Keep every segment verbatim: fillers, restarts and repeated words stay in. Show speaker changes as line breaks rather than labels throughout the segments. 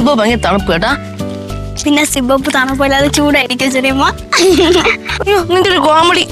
സിബോ ഭയങ്കര തണുപ്പ് കേട്ടാ.
പിന്നെ സിബോപ്പ് തണുപ്പില്ലാതെ ചൂടായിരിക്കും ചെറിയമ്മ.
അയ്യോ നിന്റെ ഒരു കോമഡി.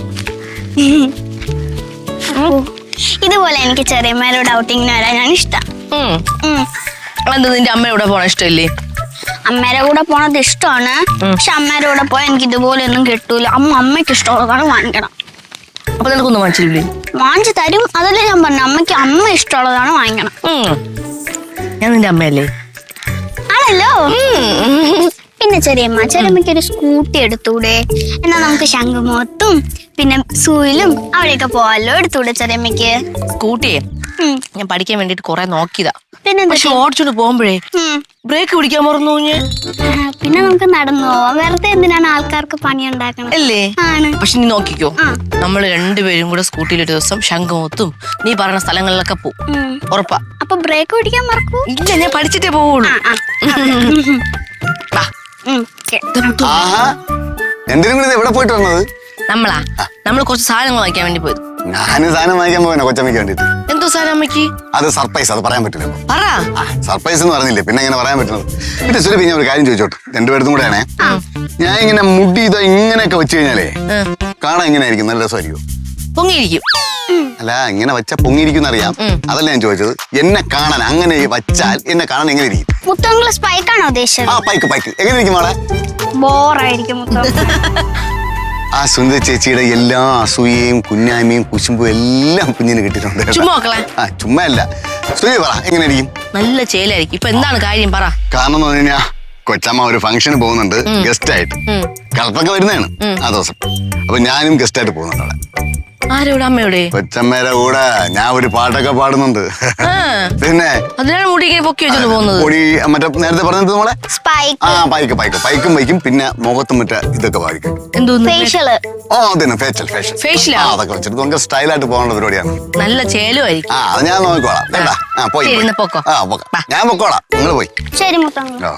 ഇതുപോലെ എനിക്ക് ചെറിയമ്മയോട് ഔട്ടിങ്ങിന് വരാനാണ് ഇഷ്ടം.
എന്താ നിന്റെ അമ്മയുടെ കൂടെ പോണ ഇഷ്ടമല്ലേ?
അമ്മയുടെ കൂടെ പോണത് ഇഷ്ടമാണ്. പക്ഷെ അമ്മയുടെ കൂടെ പോയാൽ എനിക്ക് ഇതുപോലെ ഒന്നും കിട്ടൂല. അമ്മ അമ്മയ്ക്ക് ഇഷ്ടമുള്ളതാണ് വാങ്ങിക്കണം.
അപ്പൊ നിനക്കൊന്നും വാങ്ങിച്ചില്ലേ?
വാങ്ങിച്ചു തരും. അതല്ലേ ഞാൻ പറഞ്ഞു, അമ്മയ്ക്ക് അമ്മ ഇഷ്ടമുള്ളതാണ് വാങ്ങിക്കണം.
ഞാൻ നിന്റെ അമ്മയല്ലേ?
ആണല്ലോ. പിന്നെ ചെറിയമ്മ ചെറിയമ്മയ്ക്ക് ഒരു സ്കൂട്ടി എടുത്തൂടെ? എന്നാ നമുക്ക് ശംഖുമുഖത്തും പിന്നെ സൂയിലും അവിടെയൊക്കെ പോവാല്ലോ. എടുത്തൂടെ ചെറിയമ്മയ്ക്ക്
സ്കൂട്ടിയെ? ഞാൻ പഠിക്കാൻ വേണ്ടിട്ട് കൊറേ നോക്കിയതാ.
പിന്നെ
ഓടിച്ചോണ്ട് പോകുമ്പോഴേ ബ്രേക്ക് പിടിക്കാൻ മറന്നു.
പിന്നെ നമുക്ക് നടന്നു പോവാം. വെറുതെ എന്തിനാണ് ആൾക്കാർക്ക് പണി ഉണ്ടാക്കണം
അല്ലേ?
ആണ്.
പക്ഷെ നീ നോക്കിക്കോ, നമ്മള് രണ്ടുപേരും കൂടെ സ്കൂട്ടിയിൽ ഒരു ദിവസം ശംഖുമുഖത്തും നീ പറഞ്ഞ സ്ഥലങ്ങളിലൊക്കെ പോകും. ഉറപ്പാ.
അപ്പൊ ബ്രേക്ക് പിടിക്കാൻ മറക്കൂ?
ഇല്ല, ഞാൻ പഠിച്ചിട്ടേ പോവുള്ളൂ.
എന്തിനും കൂടി എവിടെ പോയിട്ട് വന്നത്?
നമ്മളാ നമ്മള് കുറച്ച് സാധനങ്ങൾ വാങ്ങിക്കാൻ വേണ്ടി പോയത്.
ഞാൻ സാധനം വാങ്ങിക്കാൻ പോകാനോ കൊച്ചമ്മയ്ക്ക് വേണ്ടിട്ട്?
എന്തോ സാധനം അമ്മയ്ക്ക്?
അത് സർപ്രൈസ്, അത് പറയാൻ പറ്റില്ല.
പറ.
സർപ്രൈസ് എന്ന് പറഞ്ഞില്ലേ, പിന്നെ എങ്ങനെ പറയാൻ പറ്റുന്നത്? പിന്നെ സുരഭി, ഞാൻ ഒരു കാര്യം ചോദിച്ചോട്ടെ, രണ്ടുപേർത്തും കൂടെ ആണേ. ഞാൻ ഇങ്ങനെ മുടി ഇതോ ഇങ്ങനെയൊക്കെ വെച്ച് കഴിഞ്ഞാലേ കാണാൻ എങ്ങനെയായിരിക്കും? നല്ല രസമായിരിക്കും?
പൊങ്ങിയിരിക്കും.
അല്ല, ഇങ്ങനെ വെച്ചാൽ പൊങ്ങിയിരിക്കും അറിയാം. അതല്ല ഞാൻ ചോദിച്ചത്. എന്നെ കാണാൻ അങ്ങനെ വച്ചാൽ എന്നെ കാണാൻ എങ്ങനെ ഇരിക്കും?
മുത്തങ്ങള് സ്പൈക്കാണോ ഉദ്ദേശിച്ചത്?
ആ, പൈക്ക് പൈക്ക് എങ്ങനെ ഇരിക്കും മോളെ?
ബോറായിരിക്കും.
ആ സുന്ദര ചേച്ചിയുടെ എല്ലാ അസൂയയും കുഞ്ഞായ്മയും കുശുമ്പും എല്ലാം കുഞ്ഞിന് കിട്ടിയിട്ടുണ്ട്. ആ, ചുമ്മാ അല്ല. സുരഭി പറ, എങ്ങനെ ഇരിക്കും?
നല്ല ചേലായിരിക്കും. ഇപ്പൊ എന്താണ് കാര്യം പറ.
കാരണം എന്ന് പറഞ്ഞു കഴിഞ്ഞാൽ കൊച്ചമ്മ ഒരു ഫംഗ്ഷന് പോകുന്നുണ്ട് ഗസ്റ്റ് ആയിട്ട്. കളപ്പൊക്കെ വരുന്നതാണ് ആ ദിവസം. അപ്പൊ ഞാനും ഗസ്റ്റ് ആയിട്ട് പോകുന്നുണ്ട് അവിടെ.
ആരോടെ? അമ്മയുടെ?
കൊച്ചമ്മയുടെ കൂടെ ഞാൻ ഒരു പാട്ടൊക്കെ പാടുന്നുണ്ട്. പിന്നെ
അതിനാണ് മുടി ഇങ്ങനെ പൊക്കി വെച്ചോണ്ട് പോകുന്നത്.
മുടി മറ്റേ നേരത്തെ പറഞ്ഞത് നമ്മളെ ആ പൈക്ക് പൈക്ക് പൈക്കും പൈക്കും പിന്നെ മുഖത്തും മറ്റേ ഇതൊക്കെ പാടിക്കും.
ഫേഷ്യല്.
ഓ അതന്നെ, ഫേഷ്യൽ ഫേഷ്യൽ ഫേഷ്യൽ അതൊക്കെ വെച്ചിട്ട് നമുക്ക് സ്റ്റൈലായിട്ട് പോകേണ്ട പരിപാടിയാണ്.
നല്ല ചേലുമായിരിക്കും.
ആ, അത് ഞാൻ നോക്കിക്കോളാം. വേണ്ട, ആ പോയി
പൊക്കോ.
ആ പൊക്കാം, ഞാൻ പൊക്കോളാം, നിങ്ങൾ പോയി.
ശരി മുത്തങ്ങൾ.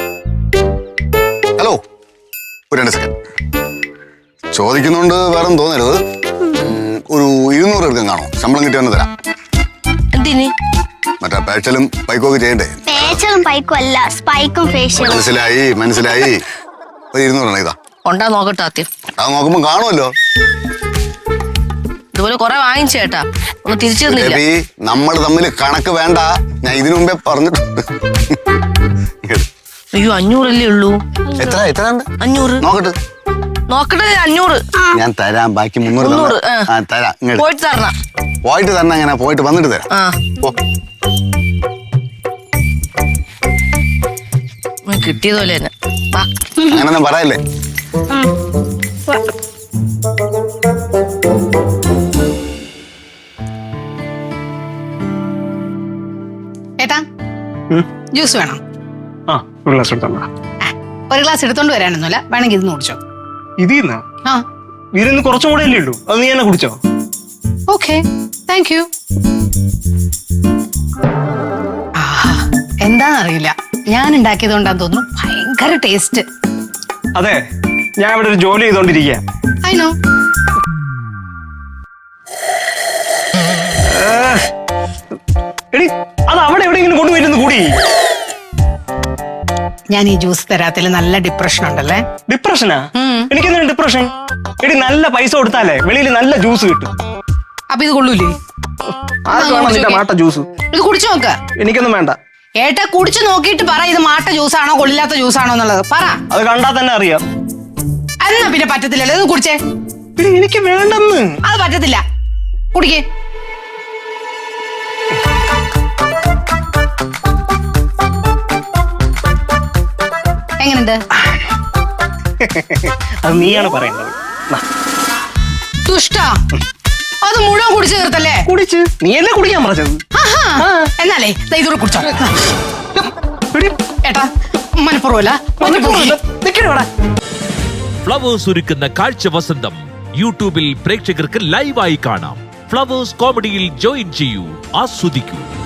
ഹലോ, ഒരു രണ്ട് സെക്കൻഡ് ചോദിക്കുന്നുണ്ട്, വേറെ തോന്നരുത്. ഒരു ഇരുന്നൂറ് എടുക്കാൻ കാണോ? ശമ്പളം കിട്ടി വന്ന് തരാം.
എന്തിന്?
മറ്റേ ഫേഷ്യലും പൈക്കും ഒക്കെ ചെയ്യണ്ടേ?
ഫേഷ്യലും പൈക്കും അല്ല, സ്പൈക്കും ഫേഷ്യലും.
മനസ്സിലായി മനസ്സിലായി. ഒരു ഇരുന്നൂറാണ്. ഇതാ
കൊണ്ടാ നോക്കട്ടെ ആദ്യം.
അത് നോക്കുമ്പോ കാണുമല്ലോ.
ഇതുപോലെ കൊറേ വാങ്ങിച്ചു കേട്ടാ, ഒന്ന് തിരിച്ചു തന്നില്ല.
നമ്മൾ തമ്മിൽ കണക്ക് വേണ്ട, ഞാൻ ഇതിനു മുമ്പേ പറഞ്ഞിട്ടുണ്ട്.
അയ്യോ, അഞ്ഞൂറല്ലേ ഉള്ളൂ.
എത്ര എത്ര
അഞ്ഞൂറ്.
നോക്കട്ടെ
നോക്കട്ടെ, അഞ്ഞൂറ്
ഞാൻ തരാം. ബാക്കി മുന്നൂറ് തരാം.
പോയിട്ട് തരണം.
പോയിട്ട് തരണം. അങ്ങനെ പോയിട്ട് വന്നിട്ട് തരാം.
കിട്ടിയതുപോലെ തന്നെ.
അങ്ങനൊന്നും പറയല്ലേ.
ഏട്ടാ, ജ്യൂസ് വേണം?
ഒരു ഗ്ലാസ് എടുത്തോണ്ടാ.
ഒരു ഗ്ലാസ് എടുത്തോണ്ട് വരാനൊന്നുമില്ല, വേണമെങ്കിൽ ഇത് കുടിച്ചോ.
ഇതിന്ന്
ആ
ഇതിന്ന് കുറച്ചും കൂടെ അല്ലേ ഉള്ളൂ, അത് നീ തന്നെ കുടിച്ചോ.
Okay, thank you. എന്താന്നറിയില്ല, ഞാൻ ഉണ്ടാക്കിയത് കൊണ്ടാന്ന് തോന്നുന്നു ഭയങ്കര ടേസ്റ്റ്.
അതെ, ഞാൻ ഇവിടെ ഒരു ജോലി ചെയ്തോണ്ടിരിക്കുക.
അയിനോ
എടി, അത് അവിടെ എവിടെയെങ്കിലും കൊണ്ടുപോയിരുന്നു കൂടി.
ഞാൻ ഈ ജ്യൂസ് തരാത്തിൽ നല്ല ഡിപ്രഷൻ ഉണ്ടല്ലേ.
ഡിപ്രഷനാ? എനിക്കെന്താണ് ഡിപ്രഷൻ? എടി, നല്ല പൈസ കൊടുത്താലേ വെളിയിൽ നല്ല ജ്യൂസ് കിട്ടും.
അപ്പൊ ഇത് കൊള്ളൂലേ?
മാട്ട ജ്യൂസ്
ഇത് കുടിച്ചു നോക്ക.
എനിക്കൊന്നും വേണ്ട.
ഏട്ടാ, കുടിച്ചു നോക്കിയിട്ട് പറ ഇത് മാട്ട ജ്യൂസാണോ കൊള്ളില്ലാത്ത ജ്യൂസാണോ എന്നുള്ളത് പറ.
അത് കണ്ടാ തന്നെ അറിയാം.
എന്നാ പിന്നെ പറ്റത്തില്ലല്ലോ, ഇത് കുടിച്ചേ.
എനിക്ക് വേണ്ടെന്ന്.
അത് പറ്റത്തില്ല, കുടിക്കേ. എങ്ങനെയുണ്ട്?
അത് നീയാണ് പറയേണ്ടത്.
ദുഷ്ട, അത് മുഴുവൻ കുടിച്ചു തീർത്തല്ലേ?
കുടിച്ച് നീയല്ലേ കുടിക്കാൻ പറഞ്ഞത്.
എന്നാലേ ഇതൂടെ കുടിച്ചോ. ഏട്ടാ, മനപ്പുറമല്ല.
ഫ്ലവേഴ്സ് ഒരുക്കുന്ന കാഴ്ച വസന്തം യൂട്യൂബിൽ പ്രേക്ഷകർക്ക് ലൈവായി കാണാം. ഫ്ലവേഴ്സ് കോമഡിയിൽ ജോയിൻ ചെയ്യൂ, ആസ്വദിക്കൂ.